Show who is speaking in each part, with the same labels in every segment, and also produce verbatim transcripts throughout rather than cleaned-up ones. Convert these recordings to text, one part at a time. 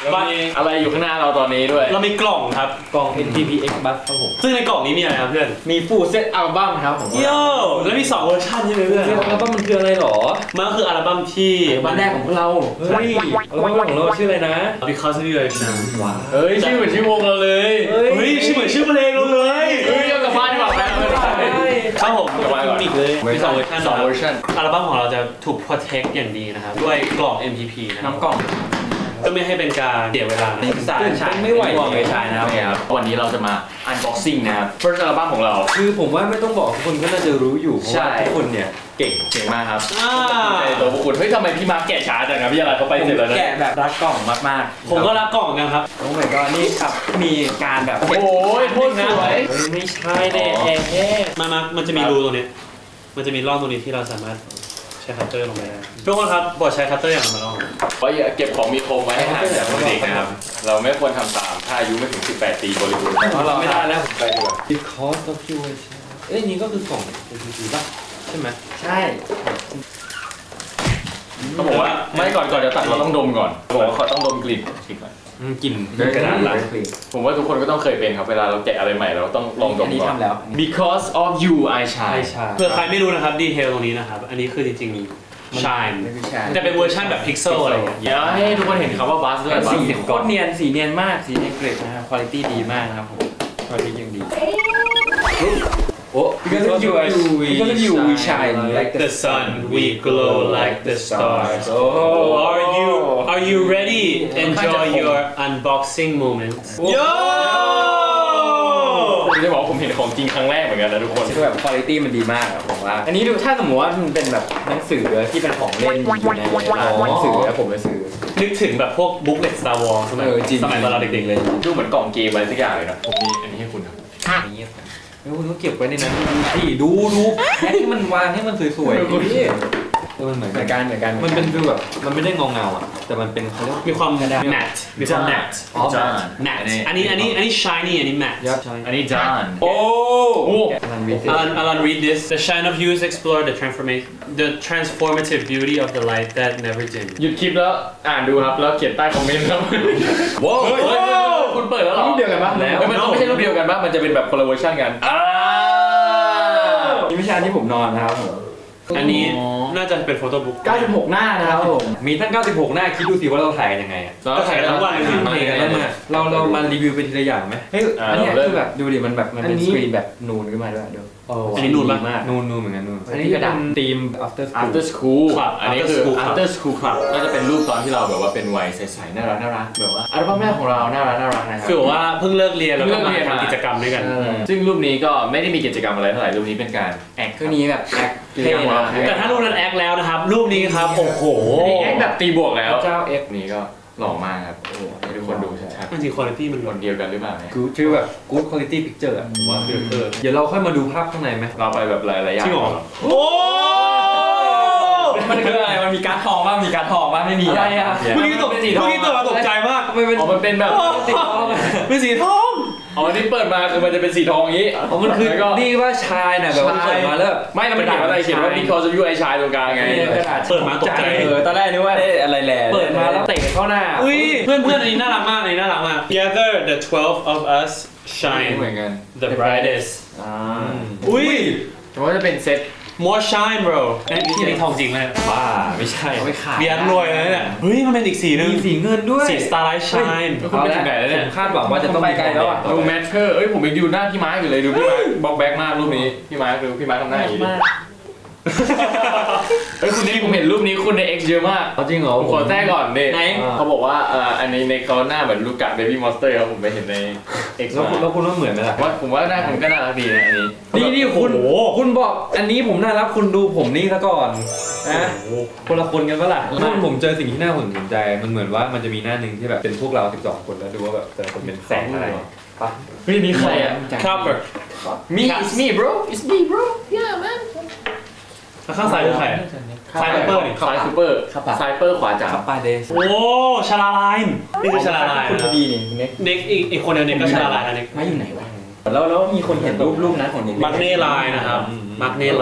Speaker 1: มีอะไรอยู่ข้างหน้าเราตอนนี้ด้วย
Speaker 2: เรามีกล่องครับ
Speaker 3: กล่อง เอ็น ที พี เอ็กซ์ Bus ครับผม
Speaker 2: ซึ่งในกล่องนี้มีอะไรครับเพื่อน
Speaker 3: มี Full Set Album ครับผม
Speaker 2: โย่แล้วมีสองเวอร์ชันใช่ไหมเพื่อน
Speaker 3: อัลบั้มมันคืออะไรหรอ
Speaker 2: มันก็คืออัลบั้มที่
Speaker 3: วันแรกของพวกเราเฮ้ยอัลบั้มของเราชื่ออะไรนะ
Speaker 2: Because of You นะ
Speaker 3: ว้า
Speaker 1: เฮ้ยชื่อเหมือนชื่อวงเราเลย
Speaker 2: เฮ้ยชื่อเหมือนชื่อเพลงเราเลย
Speaker 1: เฮ้ยเอากลับบ้านดีกว่าแม่
Speaker 2: ครับผมกลับบ้านก่อนอีกเลยมีสองเวอร์ชัน
Speaker 1: สองเวอร์ชัน
Speaker 2: อัลบั้มของเราจะถูก protect อย่างดีนะครับด้วยกล่อง เอ็ม พี พี นะ
Speaker 3: น้ำกล่อง
Speaker 2: ก็ไม่ให้เป็นการเสียเวลา
Speaker 3: สารฉายไม่ไหวเลย
Speaker 1: ฉายนะครับวันนี้เราจะมา unboxing นะครับ first อัลบั้มของเรา
Speaker 3: คือผมว่าไม่ต้องบอกทุกคนก็น่าจะรู้อยู่เพราะว่าทุกคนเนี่ยเก่ง
Speaker 1: เก่งมากครับตัวพวกคุณเฮ้ยทำไมพี่มาแกะช้าจังครับพี่อะไรเขาไปเสร็จแล้วนะ
Speaker 3: แกะแบบรักกล่องมาก
Speaker 2: ๆผมก็รักกล่องกันครับ
Speaker 3: โอ้ my god นี่ครับมีการแบบ
Speaker 1: โอ้ยโคตรสวย
Speaker 3: ไม่ใช่แน่แน่
Speaker 2: มามามันจะมีรูตรงนี้มันจะมีร่องตรงนี้ที่เราสามารถใช้คัตเตอร์ลงไปได้ทุกคนครับบอดใช้คัตเตอร์อย่างไรมาลอง
Speaker 1: เพราะเก็บของมีคมไว้ให้ห่างจากเด็กนะครับเราไม่ควรทำตามถ้าอายุไม่ถึงสิบแปดปีบริบูรณ์
Speaker 3: เพราะเรา
Speaker 2: ไม่ได้แล้ว
Speaker 3: ไปดีกว่า Because of You เอ้ยนี่ก็คือกล่อง เอ็ม พี พี ป่ะใช่ไหม
Speaker 1: ใช่เขาบอกว่าไม่ก่อนก่อนจะตัดเราต้องดมก่อนบอกว่าเขาต้องดมกลิ่นกลิ่นก่อน
Speaker 3: กลิ่นกระดาษหลัง
Speaker 1: ผมว่าทุกคนก็ต้องเคยเป็นครับเวลาเราแกะอะไรใหม่เราต้องลองดมก่อน Because of You I Shine
Speaker 2: เพื่อใครไม่รู้นะครับดีเทลตรงนี้นะครับอันนี้คือจริงๆ Shine จะเป็นเวอร์ชันแบบพิกเซลอะไรอย่างเงี้ย
Speaker 1: เดี๋ยวให้ทุกคนเห็นคำว่าบัสด้วย
Speaker 3: สีโคตรเนียนสีเนียนมากสีเนียนเกรดนะครับคุณภาพดีมากนะครับผมคุณภาพยังดีโอ้ Because of You Because of You we shine
Speaker 2: like the sun we glow like the stars oh are you are you ready enjoy your unboxing moments yo
Speaker 1: จะบอกผมเห็นของจริงครั้งแรกเหมือนกันนะทุกคน
Speaker 3: คือแบบคุณภาพมันดีมากอะผมว่าอันนี้ดูถ้าสมมติว่ามันเป็นแบบหนังสือที่เป็นของเล่นอยู่ในร้านหนังสือแล้วผมจะซื้อ
Speaker 2: นึกถึงแบบพวกบุ๊กเล็ต Star Wars สมัยสมัยตอนเราเด็กๆเลย
Speaker 1: ดูเหมือนกล่องเกมอะไรสักอย่างเลยนะผมมีอันนี้ให้คุณครับ
Speaker 3: อันนี้แล้วคุณก็เก็บไว้ในนั้นดูดูดูแค่ที่มันวางให้มันสวยๆพี่มันเหมือนกันเหมือนกันมันเป็นฟีลแบบมันไม่ได้เงาเงาอ่ะแต่มันเป็นเขาเรียก
Speaker 2: มีความ matte มีความ matte
Speaker 1: อ๋อ
Speaker 2: matte อันนี้อันนี้อันนี้ shiny อันนี้ matte
Speaker 1: อันนี้ John
Speaker 2: โอ้
Speaker 3: Alan
Speaker 2: Alan read this the shine of you is explore the transformation the transformative beauty of the light that never dim
Speaker 1: หยุดคลิปแล้วอ่านดูครับแล้วเขียนใต้คอมเมนต์ครับว้าวคุณเปิดแล้วหรอ
Speaker 3: รูปเดียวกันปะ
Speaker 1: แล้วมันไม่ใช่รูปเดียวกันปะมันจะเป็นแบบคนละเวอร์ชันกัน
Speaker 3: นี่ไม่ใช่อันที่ผมนอนนะครับผม
Speaker 2: อันนี้น่าจะเป็นโฟโต้บุ๊ก
Speaker 3: เก้าสิบหกหน้านะครับผมมีตั้งเก้าสิบหกหน้าคิดดูสิว่าเราถ่ายกันยังไงอ่ะ
Speaker 2: ก็ถ่ายทั้งวันเลย
Speaker 3: เราเรามารีวิวไปทีละอย่างไหมเฮ้ยอันนี้คือแบบดูดิมันแบบมันเป็นสกรีนแบบนูนขึ้นมาด้วยดู
Speaker 2: อันนี้นูนมาก
Speaker 3: นูนนูนเหมือนกันนูนอันนี้กระดาษธีม after school
Speaker 1: after school อันนี้คือ after school ครับก็จะเป็นรูปตอนที่เราแบบว่าเป็นวัยใสๆน่ารักน่ารักแบบว่าอัลบั้มแรกของเราน่ารักน่ารักนะครับ
Speaker 2: คือว่าเพิ่งเลิกเรียนแล้วก็มาทำกิจกรรมด้วยกัน
Speaker 1: ซึ่งรูปนี้ก็ไม่ได้มีกิจกรรมอะไรเท่าไหร่รูปนี้เป็นการแอค
Speaker 3: คือนี้แบบแอค
Speaker 2: เท่แต่ถ้ารูปนั้นแอคแล้วนะครับรูปนี้ครับโอ้โห
Speaker 1: แอคแบบตีบวกแล้วเจ้าเอ็กนี้ก็หล่อมากครับโอ้ให้ทุกคนดูชัด
Speaker 2: ๆจริงๆคุณภาพมัน
Speaker 1: คนเดียวกันหรือเปล่า
Speaker 3: คือชื่อแบบ good quality picture อ่ะผมว่าเออเดี๋ยวเราค่อยมาดูภาพข้างในไหม
Speaker 1: เราไปแบบหลายๆอย่าง
Speaker 2: จริงเหรอโอ้
Speaker 3: มันคืออะไรมันมีการทองบ้างมีการทองบ้างไม่มี
Speaker 2: ใช่ครับเมื่อกี้ตกเมื่อกี้ตัวตกใจมาก
Speaker 1: มันเป็นอ๋อมันเป็นแบบ
Speaker 3: สีทอง
Speaker 2: เป็นสีทอง
Speaker 1: อ๋อที่เปิดมาคือมันจะเป็นสีทองอย่างนี้
Speaker 3: อ๋อมันคือนี่ว่าชายน่ะแบบเปิดมาแล้ว
Speaker 1: ไม่เราไม่เขียนว่าอะไรเขียนว่า because of you ไอชายตรงกลางไง
Speaker 2: เปิดมาตกใจ
Speaker 3: เออตอนแรกนึกว่าอะไรแหละ
Speaker 2: เปิดมาแล้ว
Speaker 3: เตะเข้าหน้า
Speaker 2: อุ้ยเพื่อนเพื่อนอันนี้น่ารักมากอันนี้น่ารักมาก Together the twelve of us shine
Speaker 1: เหมือนกัน
Speaker 2: the brightest
Speaker 1: อ่า
Speaker 2: อุ้ย
Speaker 1: แต่ว่าจะเป็นเซต
Speaker 2: more shine bro นี่นี่ทองจริงไหม
Speaker 3: บ้าไม่ใช่
Speaker 1: ไม่ขาย
Speaker 2: เบียร์รวยเลยเนี่ยเฮ้ยมันเป็นอีกสีนึง
Speaker 3: มีสีเงินด้วย
Speaker 2: สี starlight shine
Speaker 1: คุณไปถึงไหนแล้วเนี่ย
Speaker 3: คาดหวังว่าจะต้องไปไกลแล้วอ่ะ
Speaker 1: ดูแมทเชอร์เอ้ยผมยังดูหน้าพี่มาร์คอยู่เลยดูพี่มาร์คบอกแบ็กมากรูปนี้พี่มาร์คดูพี่มาร์คทำหน้าอย่างนี้เฮ้ยคุณนี่ผมเห็นรูปนี้คุณใน X เยอะมาก
Speaker 3: จริงเหรอ
Speaker 1: ผมขอแทรกก่อนดิเขาบอกว่าอันนี้ในเขาหน้าเหมือนลูกกะเบบี้มอนสเตอร์ครับผมไปเห็นใน X
Speaker 3: แล้วคุณแล้วคุณว่าเหมือนไหมล่ะ
Speaker 1: ว่าผมว่าหน้าคุณก็น่ารักดีนะอันนี้
Speaker 3: นี่นี่คุณคุณบอกอันนี้ผมน่ารักคุณดูผมนี่ซะก่อนนะคนละคนกันปะล่ะแล้วผมเจอสิ่งที่น่าสนใจมันเหมือนว่ามันจะมีหน้าหนึ่งที่แบบเป็นพวกเราสิบสองคนแล้วดูว่าแบบแต่ละคนเป็นแสงอะไรปะ
Speaker 1: เฮ้ยนี่ใครอ่ะ
Speaker 2: cover
Speaker 1: me it's me bro it's me bro yeah man
Speaker 2: ข้างซ้ายคือใครซ้ายซูเปอร์นี่
Speaker 1: ซ้ายซูเปอร์ซ้ายเปอร์ขวาจ๋า
Speaker 3: ขับไปเดส
Speaker 2: โอ้ชาลาไลน์นี่คือชาลาไลน์
Speaker 3: คุณพอดีนี่เน็ก
Speaker 2: เน็กอีกอีกคนเดียวเน็กก็ชาลาไลน์นะเน็ก
Speaker 3: มาอยู่ไหนวะแล้วแล้วมีคนเห็นรูปรูปนั้นของเน็ก
Speaker 2: มาร์กเน่ไลน์นะครับมาร์กเน่ไลน์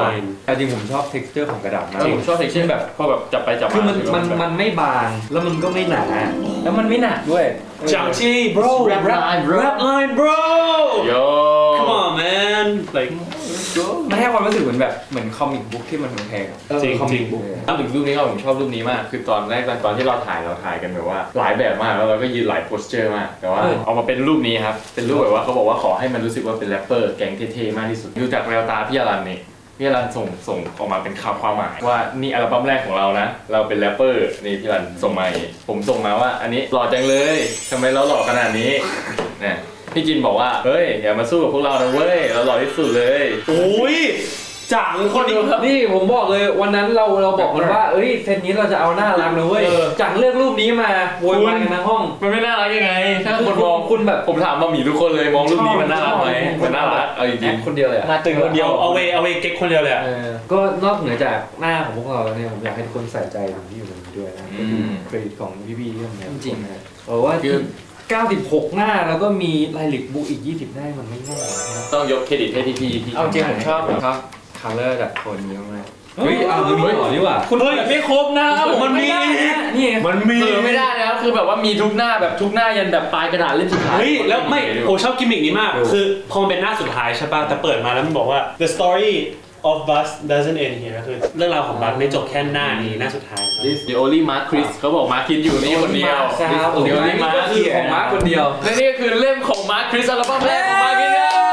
Speaker 3: แต่จริงผมชอบ texture ของกระดาษมาก
Speaker 1: ผมชอบเทคเช่นแบบพอแบบจับไปจับมา
Speaker 3: คือมันมันมันไม่บางแล้วมันก็ไม่หนาแล้วมันไม่หนักด้วย
Speaker 2: จังชี่ bro
Speaker 1: Rap line bro
Speaker 2: rap line bro
Speaker 1: Yo
Speaker 2: come on man like
Speaker 3: มันให้ความรู้สึกเหมือนแบบเหมือนคอมิกบุ๊กที่มันแพงๆอะ
Speaker 2: จริง
Speaker 3: คอมิก
Speaker 2: จริง
Speaker 3: บุ๊ก
Speaker 1: ถ้าถึงรูปนี้ก็ผมชอบรูปนี้มากคือตอนแรกตอนที่เราถ่ายเราถ่ายกันแบบว่าหลายแบบมากแล้วเราก็ยืนหลายโพสเจอร์มากแต่ว่าเอามาเป็นรูปนี้ครับเป็นรูปแบบว่าเขาบอกว่าขอให้มันรู้สึกว่าเป็นแรปเปอร์แก๊งเท่ๆมากที่สุดดูจากแววตาพี่อรันนี่พี่อรันส่งส่งออกมาเป็นข่าวความหมายว่านี่อัลบั้มแรกของเรานะเราเป็นแรปเปอร์นี่พี่อรันส่งมาอย่างงี้ผมส่งมาว่าอันนี้หล่อจังเลยทำไมเราหล่อขนาดนี้เนี่ยพี่จินบอกว่าเฮ้ยอย่ามาสู้กับพวกเรานะเว้ยเราหล่อที่สุดเลย
Speaker 2: โอ้ยจังคนนี้
Speaker 3: นี่ผมบอกเลยวันนั้นเราเราบอกกันว่าเอ้ยเซตนี้เราจะเอาหน้ารักนะเว้ย
Speaker 1: เออ
Speaker 3: จากเลือกรูปนี้มาโวยวายกันทั้งห้อง
Speaker 1: มันไม่น่ารักยังไงถ้าคนมอง
Speaker 3: คุณแบบ
Speaker 1: ผมถามบะหมี่ทุกคนเลยมองรูปนี้มันน่ารักไหมมันน่ารักเอาจริง
Speaker 3: คนเดียวเลยอะ
Speaker 1: มาตึงคนเดียว
Speaker 2: เอาเวเอาเวเก๊กคนเดียวเลยอะ
Speaker 3: เออก็นอกเหนือจากหน้าของพวกเราแล้วเนี่ยผมอยากให้ทุกคนใส่ใจตรงที่อยู่ตรงนี้ด้วยนะก็คือเครดิตของพี่ๆที่ทำงานจริงนะเพราะว่าคือเก้าสิบหกหน้าแล้วก็มีลายลิกบุ๊กอีกยี่สิบหน้ามันไม่ง่ายนะครับ
Speaker 1: ต้องยกเครดิตให้พี่พี่ที่
Speaker 3: เอาจริงผมชอบผมชอบคัลเลอร์จากโทนนี้มากเฮ้ยเอามันมีต่อนี่หว่า
Speaker 2: คุณเฮ้ยไม่ครบนะมันมี
Speaker 3: นี่ไง
Speaker 2: มันมี
Speaker 1: เออไม่ได้นะครับคือแบบว่ามีทุกหน้าแบบทุกหน้ายันแบบปลายกระดาษเล่มสุดท้าย
Speaker 2: เฮ้ยแล้วไม่โอ้ชอบกิมมิกนี้มาก คือพอมันเป็นหน้าสุดท้ายใช่ป่ะแต่เปิดมาแล้วมันบอกว่า the story of Buzz doesn't end here คือเรื่องราวของบัสไม่จบแค่หน้านี้หน้าสุดท้ายครับ
Speaker 1: This the only Mark Chris เขาบอกมาร์คคิดอยู่นี่คนเดียว
Speaker 3: ครับ
Speaker 1: This the only
Speaker 3: นี่
Speaker 1: Mark
Speaker 3: ก็คือของมาร์คคนเดียว
Speaker 1: และนี่ก็คือเล่มของมาร์คคริสอัลบั้มแรกของมาร์คคิด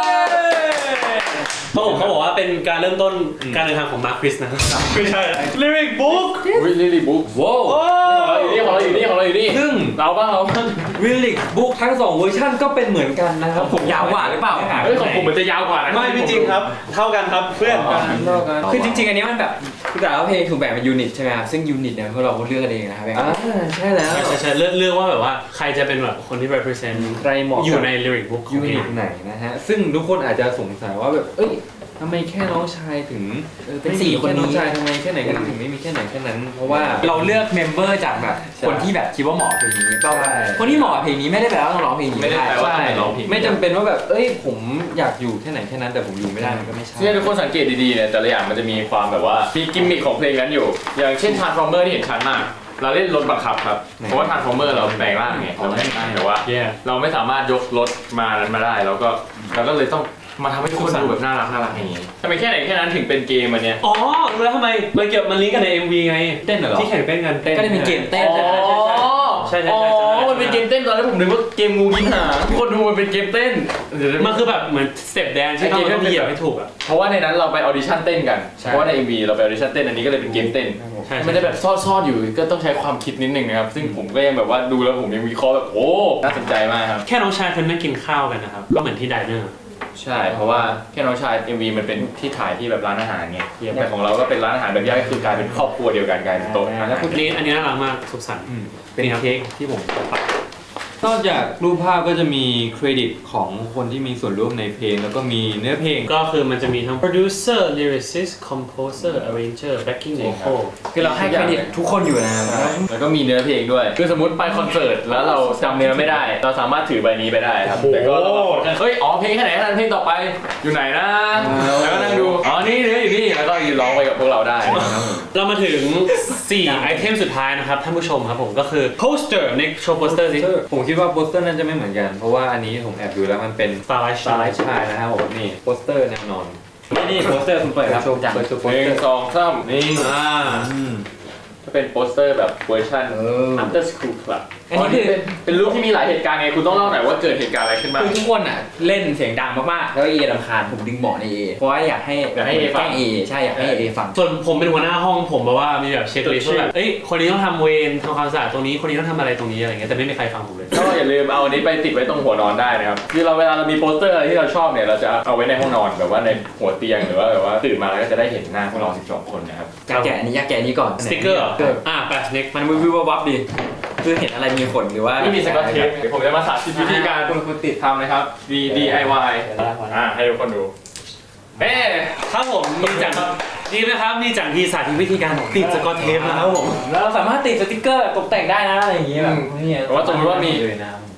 Speaker 2: เขาบอกเขาบอกว่าเป็นการเริ่มต้นการเดินทางของมาร์คคริสนะครับไม่ใช่ lyric book
Speaker 1: อุ้ยลิลี่บุ๊ก
Speaker 3: ว้าว
Speaker 1: ของเราอยู่นี่ของเราอยู่นี่ของเราอยู่นี่
Speaker 3: ซึ่ง
Speaker 1: เราบ้างเราบ้าง
Speaker 3: วิลลิกบุ๊กทั้งสองเวอร์ชันก็เป็นเหมือนกันนะครับผมยาวกว่าหรือเปล่า
Speaker 1: เฮ้ยของผมมันจะยาวกว่านะ
Speaker 2: ไม่ไม่จริงครับ เท่ากันครับเพื่อน
Speaker 4: คือจริงๆ อันนี้มันแบบคือแต่ละเพลงถูกแบ่งเป็นยูนิตใช่ไหมครับซึ่งยูนิตเนี่ยพวกเราก็เลือกกันเองนะครับ
Speaker 3: อ่าใช่แล้ว
Speaker 2: ใช่ใช่ใช่เลือกเลือกว่าแบบว่าใครจะเป็นแบบคนที่ represent
Speaker 3: ใครเหมาะ
Speaker 2: อยู่ใน lyric book ของ
Speaker 3: ยู
Speaker 2: เพล
Speaker 3: นิ
Speaker 2: ง
Speaker 3: ตไหนนะฮะซึ่งทุกคนอาจจะสงสัยว่าแบบเอ้ยทำไมแค่น้องชายถึง
Speaker 4: เป็นสี่คน
Speaker 3: น้อง
Speaker 4: นี้
Speaker 3: ชายทำไมแค่ไหนกันถึงไม่มีแค่ไหนแค่นั้น เพราะว่า
Speaker 4: เราเลือกเมมเบอร์จากแบบคนที่แบบคิดว่าเหมาะกับเพลงนี้ก็
Speaker 3: ใช่
Speaker 4: คนที่เหมาะกับเพลงนี้ไม่ได้แปลว่าต้องร้องเพลงนี้
Speaker 1: ไม่ได้แปลว่า
Speaker 3: ใช่
Speaker 1: ต้องร้องเพลง
Speaker 3: ไม่จำเป็นว่าแบบเอ้ยผมอยากอยู่แค่ไหนแค่นั้นแต่ผมอยู่ไม่ได้มันก็ไม่ใช่
Speaker 1: ที่ทุกคนสังเกตดีๆเนี่ยแต่ละอย่างมันจะมีความแบบว่ามีกิมมิคของเพลงนั้นอยู่ อย่างเช่น Transformer ที่เห็นชัดมาก เราเล่นรถบังคับครับเพราะว่า Transformer เราแปลงร่างไงเราแปลงร่างแต่ว่า
Speaker 2: Yeah
Speaker 1: เราไม่สามารถยกรถมานั้นมาได้แล้วก็เราก็เลยต้องมาทำให้ทุกคนดูแบบน่ารักน่ารักอย่างนี้ทำไมแค่ไหนแค่นั้นถึงเป็นเกมอันเนี้ย
Speaker 2: อ๋อรู้แล้วทำไมมันเกี่ยวมันลิงก์กันใน เอ็ม วี ไง
Speaker 3: เต้นเหรอ
Speaker 2: ที่แข่งเต้นกันเต้น
Speaker 4: ก็ได้เป็นเกมเต้น
Speaker 1: อ๋อ
Speaker 2: ใช่ใช่
Speaker 1: อ๋
Speaker 2: ใช่ใช่
Speaker 1: อมันเป็นเกมเต้นตอนแรกผมนึกว่าเกมงูกินหางทุกคนดูมันเป็นเกมเต้นเดี๋ยว
Speaker 2: มันคือแบบเหมือนสเต็ปแดนที่ต้องต้องเหยียบให้ถูกอ่ะ
Speaker 1: เพราะว่าในนั้นเราไปออดิชั่นเต้นกันเพราะว่าใน เอ็ม วี เราไปออดิชั่นเต้นอันนี้ก็เลยเป็นเกมเต้น
Speaker 2: ใช่
Speaker 1: มันจะแบบซ่อนๆอยู่ก็ต้องใช้ความคิดนิดนึงนะครับซึ่งผมก็ยังแบบว่าดูแล้วผมยังวิเคราะห์แบบโอ้น่าสนใจมากครับ
Speaker 2: แค่น้องชายคนนั่งกินข้าวกันนะครับก็เหมือนที่ไดเนอร์
Speaker 1: ใช่เพราะว่าแค่น้องชาย เอ็ม วี มันเป็นที่ถ่ายที่แบบร้านอาหารไงแต่ของเราก็เป็นร้านอาหารแบบย่อยก็คือกลายเป็นครอบครัวเดียวกันกลายเป็นโต๊ะอาหาร
Speaker 2: อันนี้อันนี้น่ารักมากสุขสันต์
Speaker 3: อืมเป็นเค้กที่ผมนอกจากรูปภาพก็จะมีเครดิตของคนที่มีส่วนร่วมในเพลงแล้วก็มีเนื้อเพลง
Speaker 2: ก็คือมันจะมีทั้ง producer lyricist composer arranger backing vocal
Speaker 4: คือเราให้เครดิตทุกคนอยู่นะครับ
Speaker 1: แล้วก็มีเนื้อเพลงด้วยคือสมมติไปคอนเสิร์ตแล้วเราจำเนื้อไม่ได้ เราสามารถถือใบนี้ไปได้ครับแต่ก็เรามาคนกันเฮ้ยอ๋อเพลงแค่ไหนแค่นั้นเพลงต่อไปอยู่ไหนนะแล้วก็นั่งดูอ๋อนี่เนื้ออยู่นี่แล้วก็ยืนร้องไปกับพวกเราได้นะครับ
Speaker 2: เรามาถึงสี่ไอเทมสุดท้ายนะครับท่านผู้ชมครับผมก็คือ poster ในโชว์โปสเตอร์สิ
Speaker 3: ผมคิดว่าโปสเตอร์นั้นจะไม่เหมือนกัน เพราะว่าอันนี้ผมแอบดูแล้วมันเป็น
Speaker 2: Starlight
Speaker 3: สไลด์ชายนะครับผมนี่โปสเตอร์แน่นอนนี่นี่โปสเตอร์คุณเปิดครับ
Speaker 4: โชว์จัง
Speaker 3: เปิดตัวโป
Speaker 1: ห
Speaker 3: สเตอ
Speaker 1: นึ่ง
Speaker 3: ร์
Speaker 1: สองสามนี่
Speaker 2: อ่า
Speaker 3: อืม
Speaker 1: จะเป็นโปสเตอร์แบบเวอร์ชัน
Speaker 4: เออ
Speaker 1: After School Club
Speaker 4: อันนี้คือ
Speaker 1: เป็นเป็นรูปที่มีหลายเหตุการณ์ไงคุณต้องเล่าหน่อยว่าเกิดเหตุการณ์อะไรขึ้นบ้าง
Speaker 4: คือทุกคนอ่ะเล่นเสียงดังมากๆแล้วเอรำคาญผมดึงเบาะในเอเพราะว่าอยากให้
Speaker 1: อยากให้ A ฟัง
Speaker 4: แกล้งเอใช่อยากให้เอฟัง
Speaker 2: ส่วนผมเป็นหัวหน้าห้องผมแบบว่ามีแบบเช็คลิสต์ว่าแบบเอ้ยคนนี้ต้องทำเวรทำความสะอาดตรงนี้คนนี้ต้องทำอะไรตรงนี้อะไรเงี้ยแต่ไม่มีใครฟังผมเลย
Speaker 1: ก็อย่าลืมเอาอันนี้ไปติดไว้ตรงหัวนอนได้นะครับคือเราเวลาเรามีโปสเตอร์อะไรที่เราชอบเนี่ยเราจะเอาไว้ในห้องนอนแบบว่าในหัวเตียงหรือว่าแบบว่าตื่นมาแล้วก็จะได้เห็นหน้าพวกเราสิบสองคนนะครับ
Speaker 4: อยากแกะอันนี้อยากแกะอันนี้ก่อน
Speaker 2: สติ๊กเกอร์เหรอ
Speaker 4: เกิด
Speaker 2: อ่าแปะสเน็ก
Speaker 4: มันวิววิววับดีคือเห็นอะไรมีขนหรือว่า
Speaker 1: ไม่มีสกอตเทปเดี๋ยวผมจะมาสาธิตวิธีการคุณคุณติดทำนะครับ D D I Y อ่าให้ทุกคนดูเอ๊ะ
Speaker 2: ครับผมมีจังดีไหมครับมีจังทีสาธิตวิธีการติดสกอตเทปนะครับผม
Speaker 4: เราสามารถติดสติ๊กเกอร์ตกแต่งได้นะอะไรอย่างเงี้ยแบบนี่
Speaker 1: แต่ว่าสมมติว่ามี
Speaker 3: เลยนะ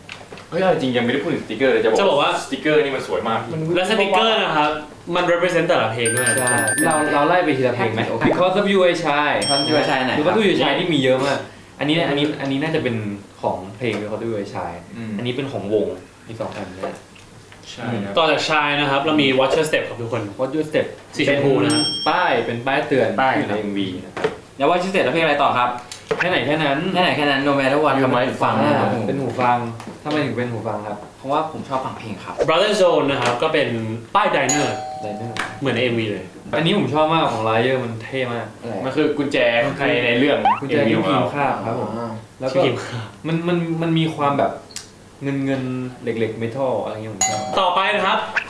Speaker 1: เฮ้ยจริงยังไม่ได้พูดถึงสติกเกอร์เลยจะ
Speaker 2: จะบอกว่า
Speaker 1: สติกเกอร์นี่มันสวยมาก
Speaker 2: และสติกเกอร์นะครับมัน represent แต่ละเพลงด้วย
Speaker 3: ใช่เราเราไล่ไปทีละเพลงไหม Because of You ไอชาย
Speaker 4: ท่านช่วยใช่ไหน
Speaker 3: หรือว่า You ไอชายที่มีเยอะมากอันนี้เนี่ยอันนี้อันนี้น่าจะเป็นของเพลง Because of You ไอชายอันนี้เป็นของวงอีกสองอันเนี่ย
Speaker 1: ใช่ครับ
Speaker 2: ต่อจากชายนะครับเรามี Watch Your Step ครับทุกคน
Speaker 3: What You Step
Speaker 2: สีชมพูนะ
Speaker 3: ป้ายเป็นป้ายเตือน
Speaker 4: ป้าย
Speaker 3: อยู่ใน เอ็ม วี นะครับ
Speaker 4: แล้วว่าชื่อเสร็จแล้วเพลงอะไรต่อครับ
Speaker 3: แค่ไหนแค่นั้น
Speaker 4: แค่ไหนแค่นั้น no matter what ครับเป็นฟังนะครับผม
Speaker 3: เป็นหูฟังทำไมถึงเป็นหูฟังครับ
Speaker 4: เพราะว่าผมชอบฟังเพลงครับ
Speaker 2: Brother Zone นะครับก็เป็นป้าย Diner
Speaker 3: ไดเนอร์
Speaker 2: เหมือนใน เอ็ม วี เลย
Speaker 3: อันนี้ผมชอบมากของไลเยอร์มันเท่มาก
Speaker 1: มันคือกุญแจใครในเรื่อง
Speaker 3: กุญแจที่พิมพ์คาบครับผมแล้ว
Speaker 2: ชื่
Speaker 3: ก็
Speaker 2: อทีม
Speaker 3: มันมันมันมีความแบบเงินเงินเหล็กเหล็กเมทัลอะไรเงี้ยผมชอบ
Speaker 2: ต่อไปนะครับ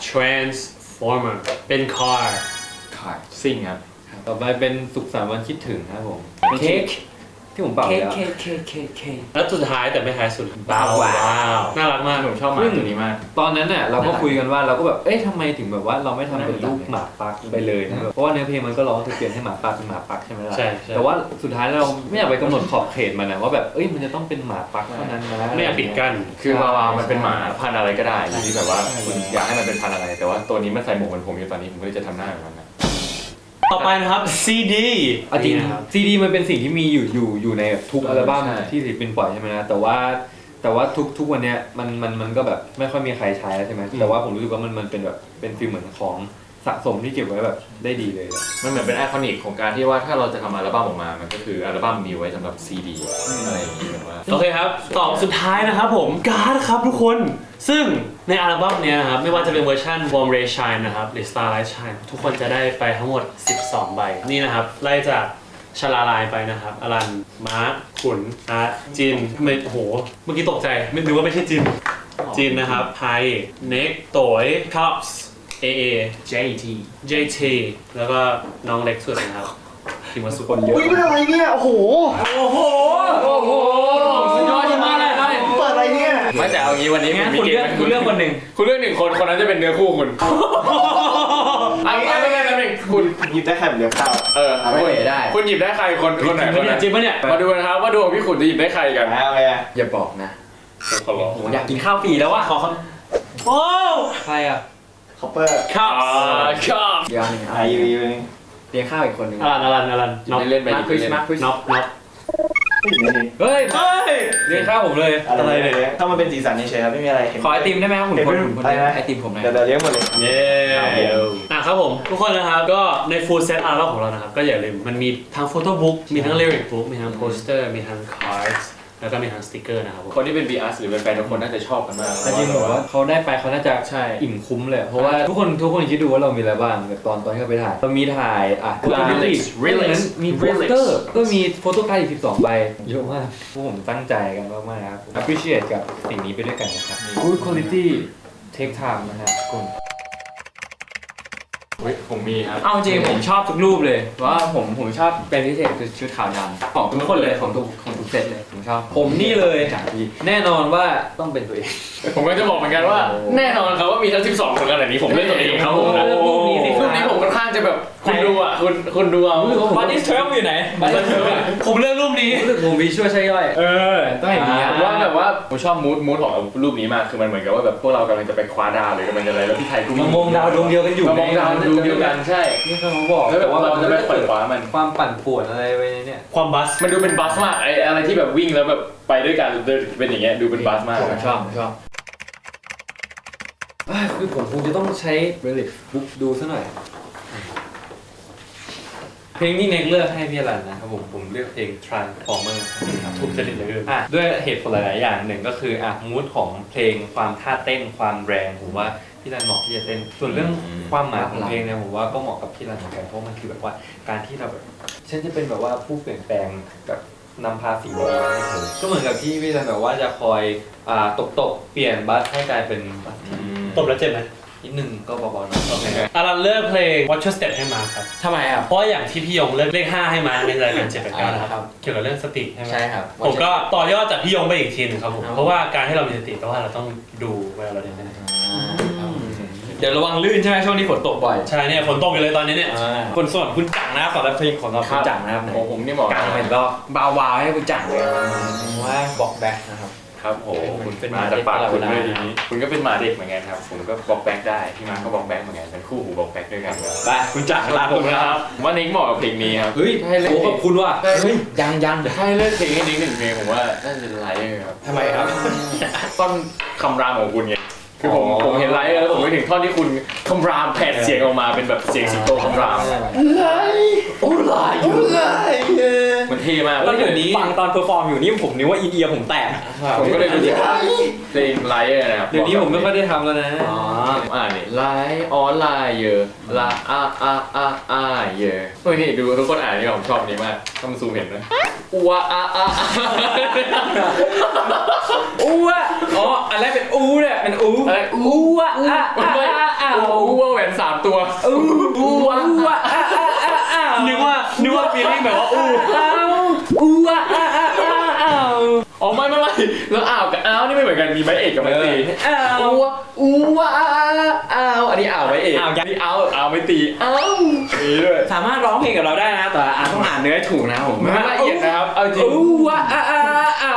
Speaker 2: Transformer เป็น car
Speaker 1: ซิ่งครับ
Speaker 3: ต่อไปเป็นสุขสันต์วันคิดถึงครับผม
Speaker 4: เค้ก
Speaker 3: ที่ผมเป่า
Speaker 4: เค้ก
Speaker 3: แล้ว
Speaker 4: เค้กเค้กเค้กเค้ก
Speaker 2: แล้วสุดท้ายแต่ไม่ท้ายสุด
Speaker 4: ว้าว
Speaker 2: ว้าวน่ารักมาก
Speaker 1: ผมชอบหมาตัวนี้มาก
Speaker 3: ตอนนั้นน่ะเราก็คุยกันว่าเราก็แบบเอ๊ะทำไมถึงแบบว่าเราไม่ทำเป็นรูปหมาปักไปเลยนะเพราะว่าเนื้อเพลงมันก็ร้องจะเปลี่ยนให้หมาปักเป็นหมาปักใช่ไหมล่ะ
Speaker 2: ใช่ใช่
Speaker 3: แต่ว่าสุดท้ายเราไม่อยากไปกำหนดขอบเขตมันนะว่าแบบเอ้ยมันจะต้องเป็นหมาปักเท่านั้นนะ
Speaker 2: ไม่อยากปิดกั้น
Speaker 1: คือวาวามันเป็นหมาพันธุ์อะไรก็ได้อยู่ที่แบบว่าคุณอยากให้มันเป็นพันธุ์อะไร แต่ว่าตัวนี้มันใส่หมวกเหมือนผมอยู่ตอนนี้ผมก็เลยจะทำหน้าแบบนั้นนะ
Speaker 2: ต่อไปนะครับ ซี ดี
Speaker 3: เอาจริง
Speaker 2: นะครับ
Speaker 3: ซีดีมันเป็นสิ่งที่มีอยู่อยู่อยู่ในทุกอัลบั้ม
Speaker 1: ใช่
Speaker 3: ที่ศิลปินปล่อยใช่ไหมนะแต่ว่าแต่ว่าทุกทุกวันเนี้ยมันมันมันก็แบบไม่ค่อยมีใครใช้แล้วใช่ไหมแต่ว่าผมรู้สึกว่ามันมันเป็นแบบเป็นฟีลเหมือนของสะสมที่เก็บไว้แบบได้ดีเลย
Speaker 1: มันเหมือนเป็นไอคอนิกของการที่ว่าถ้าเราจะทำอัลบั้มออกมา มันก็คืออัลบั้มมีไว้สำหรับซีดีอะไรอย่างนี้แบบว่า
Speaker 2: โอเคครับต่อสุดท้ายนะครับผมการ์ดครับทุกคน ซึ่งในอัลบั้มเนี้ยนะครับไม่ว่าจะเป็นเวอร์ชัน Warm Ray Shine นะครับหรือ Starlight Shine ทุกคนจะได้ไปทั้งหมดสิบสองใบนี่นะครับไล่จากชลาลายไปนะครับอลันมาร์คขุนอาร์ตจินทำไมโอ้โหเมื่อกี้ตกใจไม่นึกว่าไม่ใช่จินจินนะครับไทยเน็กโตยคัพส์เอเอ
Speaker 1: เจ ที
Speaker 2: เจ ที แล้วก็น้องเล็กสุดนะครับทีมวัสุ
Speaker 3: คนเยอะ
Speaker 5: อุ้ยเป็นอะไรเนี่ยโอ้โห
Speaker 2: โอ้โห
Speaker 3: โอ้โหสุดยอดมากเลยครับ
Speaker 5: เปิดอะไรเนี่ย
Speaker 1: ไม่แต่เอางี้วันนี้
Speaker 3: งั้น
Speaker 1: มี
Speaker 3: คุณ
Speaker 1: เก
Speaker 3: เลื
Speaker 1: ม
Speaker 3: อกคุณเลือกคนหนึ่ง
Speaker 1: คุณเลือกหนึ่งคนคนนั้นจะเป็นเนื้อคู่คุณเอางี้ไม่ไม่ไม่ไม่คุณ
Speaker 5: หยิบได้แค่แบบเดียวข้าว
Speaker 1: เออ
Speaker 4: เอาไปได้
Speaker 1: คุณหยิบได้ใครคนคนไหนคนไหน
Speaker 2: จริงปะเนี่ย
Speaker 1: มาดูนะครับว่าดวงพี่ขุนจะหยิบได้ใครกัน
Speaker 5: เอาไปอ่ะ
Speaker 4: อย่าบอกนะ
Speaker 1: ขอร้อง
Speaker 4: โหอยากกินข้าวฟรีแล้วว่ะ
Speaker 2: ขอคำโอ้
Speaker 3: ใครอ่ะ
Speaker 5: คอปเปอร์
Speaker 2: ครับ
Speaker 1: อ่าครับ
Speaker 4: เดี๋ยวหนึ่ง
Speaker 5: อายุยูนึง
Speaker 4: เลี้ยงข้าวอีกคนหนึ่ง
Speaker 2: อลันอลันอลันน็อก
Speaker 1: เล่นไป
Speaker 4: มา
Speaker 1: ดิ
Speaker 4: คริส
Speaker 1: เล่น
Speaker 4: มาคริส
Speaker 2: น็อกน็อก
Speaker 5: ไม่อยู่ในนี้
Speaker 3: เฮ้ย
Speaker 2: เฮ้ย
Speaker 3: เรียกข้าวผมเลย
Speaker 5: อะไรเนี่ยถ้ามันเป็นสีสันเฉยๆครับไม่มีอะไร
Speaker 4: ขอไอติมได้ไหมครับคุณคนคุณคน
Speaker 5: อะไรนะ
Speaker 4: ไอติมผมหน่อย
Speaker 5: เดี๋ยวเดี๋ยวเลี้ยงหมดเลย
Speaker 2: เย้อ่ะครับผมทุกคนนะครับก็ใน full set อัลบั้มของเรานะครับก็อย่าลืมมันมีทั้งโฟโต้บุ๊กมีทั้ง lyric book มีทั้งโปสเตอร์มีทั้ง cards แล้วก็มีทั้งสติกเกอร์นะครับผม
Speaker 1: คนที่เป็น บี อาร์ หรือเป็นแฟนทุกคนน่าจะชอบกันมาก
Speaker 3: แต่จริงผมว่าเขาได้ไปเขาน่าจะ
Speaker 1: ใช่
Speaker 3: อิ่มคุ้มเลย เพราะว่าทุกคนทุกคนคิดดูว่าเรามีอะไรบ้างแบบตอนตอนที่เราไปถ่ายเรามีถ่ายอ่ะ
Speaker 1: Relax Relax
Speaker 3: มีโปสเตอร์ก็มีโฟโต้การ์ดอีกสิบสองใบเยอะมากพวกผมตั้งใจกันมากๆครับ appreciate กับสิ่งนี้ไปด้วยกันนะครับ good quality take time นะครับคุณ
Speaker 1: เฮ้ยผมมีครับ
Speaker 4: เอาจริงผมชอบทุกรูปเลยเพราะว่าผมผมชอบเป็นพิเศษคือชุดขาวดำของทุกคนเลยของทุกของทุกเซตเลยผมชอบ
Speaker 3: ผมนี่เลย
Speaker 4: จากที่
Speaker 3: แน่นอนว่าต้องเป็นตัวเอง
Speaker 1: ผมก็จะบอกเหมือนกันว่า แน่นอนครับว่ามีทั้งสิบสองคนขนาดนี้ผมเล่นตัวเองครับผม
Speaker 3: เลือกรูปนี้สิ
Speaker 1: รูปนี้ผมค่อนข้างจะแบบคุณดูอ่ะคุณคุณดูเอา
Speaker 3: บันนี่เทรมอยู่ไหนบันนี่เทรม
Speaker 2: ผมเลือกรูปนี้
Speaker 3: รู้สึกผมมีช่วยใช่ย่อย
Speaker 2: เออ
Speaker 3: ต้องอย่างนี้
Speaker 1: ผมว่าแบบว่าผมชอบมูดมูดของรูปนี้มากคือมันเหมือนกับว่าแบบพวกเรากำลังจะไปคว้าดาวหรือกำลังจะอะไรแล้วพี่ไทยกู
Speaker 3: มามองดาวดวงเดียวกันอยู่
Speaker 1: มามองดาวดวงเดียวกันใช่
Speaker 3: นี่เขาบอก
Speaker 1: แล้วแบบเราจะไปขวนขวามัน
Speaker 3: ความปั่นป่วนอะไรไปเนี่ย
Speaker 2: ความบัส
Speaker 1: มันดูเป็นบัสมากไออะไรที่แบบวิ่งแล้วแบบไปด้วยกันเดินเป็นอย่างเงี้ยดูเป็นบัสมาก
Speaker 4: ผมชอบผมชอบ
Speaker 3: อ่ะคือผมคงจะต้องใช้ relic book ดูซะหน่อย เพลงที่เน็กเลือกให้พี่อรันนะครับผมผมเลือกเพลง Transformer ครับ
Speaker 2: ถูกจริตเหลย
Speaker 3: อ่ะด้วยเหตุผลหลายๆอย่างหนึ่งก็คืออ่ะมูดของเพลงความท่าเต้นความแรงผมว่าพี่รันเหมาะที่จะเต้นส่วนเรื่องความหมายของเพลงเนี่ยผมว่าก็เหมาะกับพี่รันเหมือนกันเพราะมันคือแบบว่าการที่เราแบบฉันจะเป็นแบบว่าผู้เปลี่ยนแปลงแบบนำพาสิ่งดีๆให้เธอก็เหมือนกับที่พี่รันแบบว่าจะคอยอ่าตบตบๆเปลี่ยนบัสให้กลายเป็นบัสที่
Speaker 2: ตบแล้วเจ็บไหม
Speaker 3: นิดนึงก็เบาๆหน่อย
Speaker 2: โอเคอารันเลือกเพลง Watch Your Step ให้มาครับ
Speaker 4: ทำไมอ่ะ
Speaker 2: เพราะอย่างที่พี่ยงเลือกเลขห้าให้มาในรายการเจ็ดแปดเก้านะครับเกี่ยวกับเรื่องสติใช่ไหม
Speaker 4: ใช่ครับ
Speaker 2: ผมก็ต่อยอดจากพี่ยงไปอีกทีหนึงครับผม
Speaker 4: ครับ
Speaker 2: เพราะว่าการที่เรามีสติแปลว่าเราต้องดูเวลาเราเดินไปไหน
Speaker 4: เดี๋ยวระวังลื่นใช่ไหมช่วงนี้ฝนตกบ่อย
Speaker 2: ใช่เนี่ยฝนตกอยู่เลยตอนนี้เนี่ย
Speaker 4: คนส่วนคุณจังนะสำหรับเพลงของเราคุณจังนะครับ
Speaker 1: ของผมนี่บอก
Speaker 4: กลางเป็นก็เบาๆให้คุณจังเลยว่าบอกแบ็คนะครับ
Speaker 1: คครับโหคุณ
Speaker 4: เป็น
Speaker 1: มาจากปากคุณด้วย
Speaker 4: หมาเด็ก
Speaker 1: ทีนี้คุณก็เป็นหมาเด็กเหมือนกันครับผมก็บล็อกแบ็กได้พี่มาร์คก็บล็อกแบ็กเหมือนกันเป็นคู่หูบล็อกแบ็กด้วยกันครับ
Speaker 3: ไปคุณจักรลา
Speaker 1: ผ
Speaker 3: ผม ม
Speaker 1: นะ
Speaker 3: นะ
Speaker 1: ค
Speaker 3: ค
Speaker 1: รั
Speaker 3: รั
Speaker 1: บบ ผมว่านิกเหมาะกับเพลงนี้ครับ
Speaker 3: เฮ้ย
Speaker 1: ให้เล่น
Speaker 3: โอ้ขอบคุณว่ะ
Speaker 1: เฮ้ย
Speaker 4: ยังยัง
Speaker 1: ให้เลือกเพลงให้นิกหนึ่งเพลงผมว่าน่าจะเป็นไลเออร์ครับ
Speaker 3: ทำไมครับ
Speaker 1: ท่อนคำรามของคุณไงคือผม
Speaker 3: อ๋อ
Speaker 1: ผมเห็นไลเออร์แล้วผมไปถึงท่อนที่คุณคำรามแผดเสียงออกมาเป็นแบบเสียงสิงโตคำราม
Speaker 3: โอ้ลายอยู่
Speaker 1: มันเท่มาก
Speaker 4: แล้วเดี๋ยวนี้ฟังตอนเพอร์ฟอร์มอยู่นี่ผมนึกว่าอินเอียร์ผมแตก
Speaker 1: ผมก็เลยรู้สึกว่าเพลงไลเออร์นะครับ
Speaker 3: เดี๋ยวนี้ผมไม่ค่อยได้ทำแล้วนะ
Speaker 4: อ๋อ
Speaker 1: ผมอ่านนี่ไลออนไลน์เยอะลาอาอาอาอาเยอะเฮ้ยนี่ดูทุกคนอ่านนี่ผมชอบอันนี้มากต้องซูมเห็นนะอัวอาอาอา
Speaker 4: อูอะอ๋ออันแรกเป็นอูเนี่ยเป็นอู
Speaker 1: อะไร
Speaker 4: อูอะอะอะอะอะ
Speaker 1: อัวแหวนสามตัว
Speaker 4: อูอูอะอะอะอะอะ
Speaker 2: นึกว่านึกว่าฟีลลิ่งแบบว่าอู้
Speaker 4: อูอะอะอะอะอะ
Speaker 1: อ๋อไม่ไม่ไม่แล้วอ้าวกับอ้าวนี่ไม่เหมือนกันมีไม้เอกกับไม้ตี
Speaker 4: อ้าว
Speaker 1: อัวอัวอ้าวอันนี้อ้าวไม้เอก
Speaker 4: อ้าว
Speaker 1: อันนี้อ้าวอ้าวไม้ตีอ้าวนี่ด้วย
Speaker 4: สามารถร้องเพลงกับเราได้นะแต่อ่านต้องอ่านเนื้อให้ถูกนะผม
Speaker 1: ไม่ละเอียดนะครับเอาจริง
Speaker 4: อูอะอะอะอะ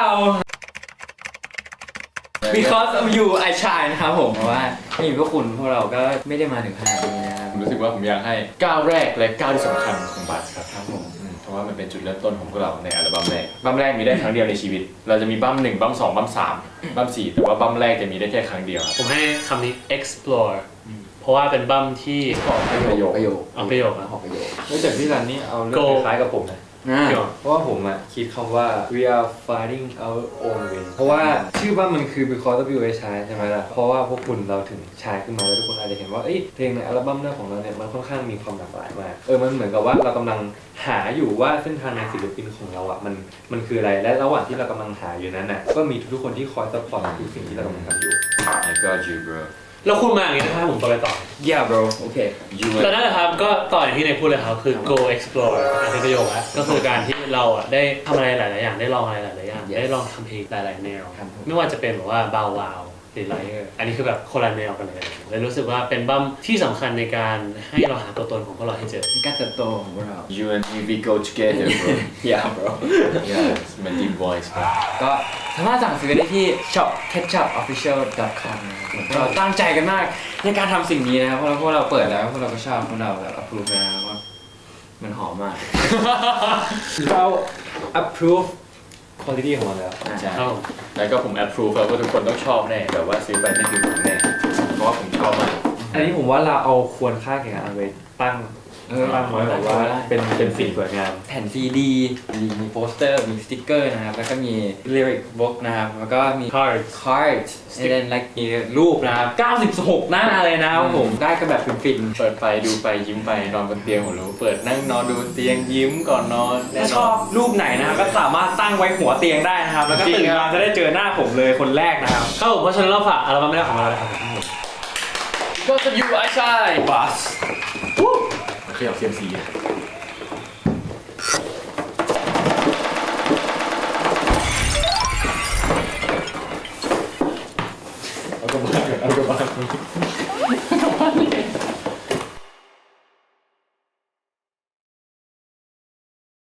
Speaker 4: because of you I shine นะครับผมเพราะว่าไม่มีพวกคุณพวกเราก็ไม่ได้มาถึงขนาดนี้นะครับ
Speaker 1: ผมรู้สึกว่าผมอยากให้ก้าวแรกและก้าวที่สำคัญของบัสครับครับผมอืมเพราะว่ามันเป็นจุดเริ่มต้นของพวกเราในอัลบั้มแรกบั้มแรกมีได้ครั้งเดียวในชีวิต เราจะมีบั้มหนึ่งบั้มสองบั้มสามบั้มสี่แต่ว่าบั้มแรกจะมีได้แค่ครั้งเดียวครับ
Speaker 2: ผมให้คำนี้ explore เพราะว่าเป็นบัมที่
Speaker 1: ประโยค
Speaker 4: ประโยค
Speaker 2: เอาประโยคนะ
Speaker 4: ออกประโยค
Speaker 3: เฮ้ยแต่พี่รันนี่เอาเรื่อง
Speaker 2: Go
Speaker 3: คล้ายๆกับผมนะ
Speaker 4: อ่า
Speaker 2: เดี๋ยว
Speaker 3: เพราะว่าผมอะคิดคำว่า we are fighting our own way เพราะว่าชื่อว่ามันคือ because of you I shine ใช่ไหมล่ะ เพราะว่าพวกคุณเราถึงชายขึ้นมาแล้วทุกคนอาจจะเห็นว่าเอ้ยเพลงในอัลบั้มแรกของเราเนี่ยมันค่อนข้างมีความหลากหลายมาก เออมันเหมือนกับว่าเรากำลังหาอยู่ว่าเส้นทางในศิลปินของเราอะมันมันคืออะไร และระหว่างที่เรากำลังหาอยู่นั้นน่ะก็มีทุกๆคนที่คอยซัพพอร์ตทุกสิ่งที่เรากำลังทำอยู่
Speaker 1: I got you bro
Speaker 2: แล้วคุณมาอย่างนี้นะครับผมต่อไปต่อ
Speaker 4: yeah bro โอเค
Speaker 1: you
Speaker 2: แต่นั่นแหละครับก็ต่ออย่างที่ในพูดเลยครับคือ go explore อันนี้ประโยคแล้วก็คือการที่เราอ่ะได้ทำอะไรหลาย ๆ อย่างได้ลองอะไรหลาย ๆ อย่าง
Speaker 4: Yes
Speaker 2: ได้ลองทำเพลงหลาย ๆ แนว
Speaker 4: ครับผม
Speaker 2: ไม่ว่าจะเป็นแบบว่าบาววาวหรือไลเออร์อันนี้คือแบบคนละแนวกันเลยเลยรู้สึกว่าเป็นบัมที่สำคัญในการให้เราหาตัวตนของพวกเราให้เจอ
Speaker 4: ในการเติบโตของพวกเรา
Speaker 1: you and me we go together bro
Speaker 4: yeah bro
Speaker 1: yeah it's my deep voice bro
Speaker 4: ก็สามารถสั่งซื้อได้ที่ shop ketchup official dot com นะครับผมเราตั้งใจกันมากในการทำสิ่งนี้นะครับเพราะเราพวกเราเปิดแล้วพวกเราก็ชอบพวกเราแบบ approve แล้วนะครับว่ามันหอมมาก
Speaker 3: เรา approve quality ของมันแล้ว
Speaker 1: ใช่
Speaker 2: ครับผม
Speaker 1: แล้วก็ผม approve ครับว่าทุกคนต้องชอบแน่แบบว่าซื้อไปไม่คือผมแน่เพราะว่าผมชอบมาก
Speaker 3: อันนี้ผมว่าเราเอาควรค่าแข่งขันเอาไว้ตั้ง
Speaker 4: เออ
Speaker 3: ตั้งไว้แบบว่าเป็นเป็นสิ่งสวยงาม
Speaker 4: แผ่นซีดีมีโปสเตอร์ มีสติ๊กเกอร์นะครับ แล้วก็มี lyric book นะครับ แล้วก็มี
Speaker 2: cards
Speaker 4: cards and then like มีรูปนะครับเก้าสิบหกหน้าเลยนะครับผม ได้กันแบบฟิน
Speaker 1: เปิดไปดูไปยิ้มไปนอนบนเตียงผมรู้เปิดนั่งนอนดูบนเตียงยิ้มก่อนนอน
Speaker 4: ๆ
Speaker 1: แน่
Speaker 4: ถ้าน ช
Speaker 1: อ
Speaker 4: อน บรูปไหนนะครับ ก็สามารถตั้งไว้หัวเตียงได้นะครับ แล้วก็
Speaker 1: จริง
Speaker 4: ตื่น
Speaker 1: ครั
Speaker 4: มา
Speaker 1: บ
Speaker 4: จะได้เจอหน้าผมเลยคนแรกนะครับ
Speaker 2: ครับผมเพราะฉะนั้นเราฝากอัลบั้มแรกของเราเลยครับผม
Speaker 1: ก็จะอยู่ไอ้ชาย
Speaker 4: บัส
Speaker 1: ขยับเซียมซี